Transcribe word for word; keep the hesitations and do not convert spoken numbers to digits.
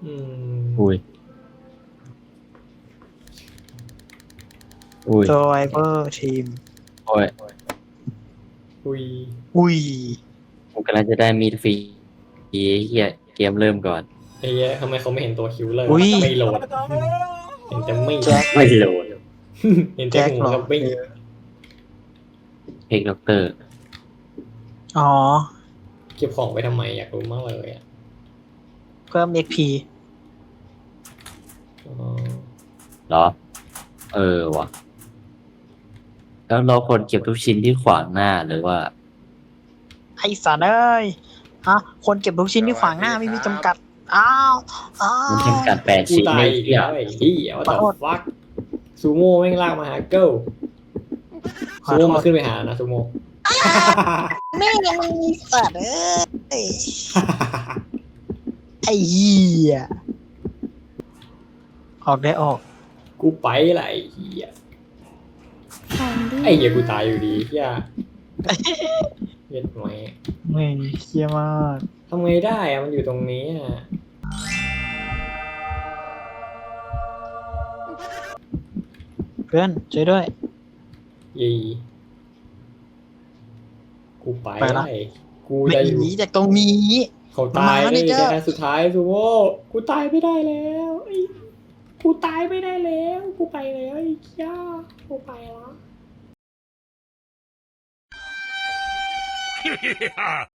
อืมอุ้ยอุ้ย Survivor Team โอ้ยอุ้ยอุ้ยผมกำลังจะได้มีดฟรีเฮียเกมเริ่มก่อนไอ้เหี้ยทำไมเขาไม่เห็นตัวคิวเลอร์อุ้ยไม่โหลดเห็นแต่มีดแจ็คไม่โหลดเห็นแต่แจ็คหัเหรวอกับมีดเพกด็อกเตอร์อ๋อเก็บของไปทำไมอยากรู้มากเลยอ่ะเพิ่ม เอ็กซ์ พีอ๋อเหรอ เออวะแล้วเราควรเก็บทุกชิ้นที่ขวางหน้าหรือว่าไอ้สัตว์เอ้ยฮะคนเก็บทุกชิ้นที่ขวางหน้าไม่มีจำกัด อ้าวอ้าวมันจำกัดแปดกูชิ้นตาในยอีกเที่ยแล้วไอ้เหี้ยว่าขอแต่โทษฟักซูโม่แม่งลากมาหาเกิลขอซูโทโม่ษมาขึ้นไปหานะซูโม่แม่งยังมีสัตว์เอ้ย ไอ้เหี้ยออกได้ออกกูไปละไอ้เหี้ยไอ้เหี้ยกูตายอยู่ดีเหี้ยเย็ดไหมแม่งเหี้ยมากทำไงได้อะมันอยู่ตรงนี้อะเพื่อนช่วยด้วยยีกูไปไปละไอ้กูไม่จะหอยู่นีจากตรงนี้เขาตายมันมาเลแล้ยวเนี่ยแค่สุดท้ายซูโม่กูตายไม่ได้แล้วไอ้กูตายไม่ได้แล้วกูไปแล้วไอ้เหี้ยกูไปแล้ว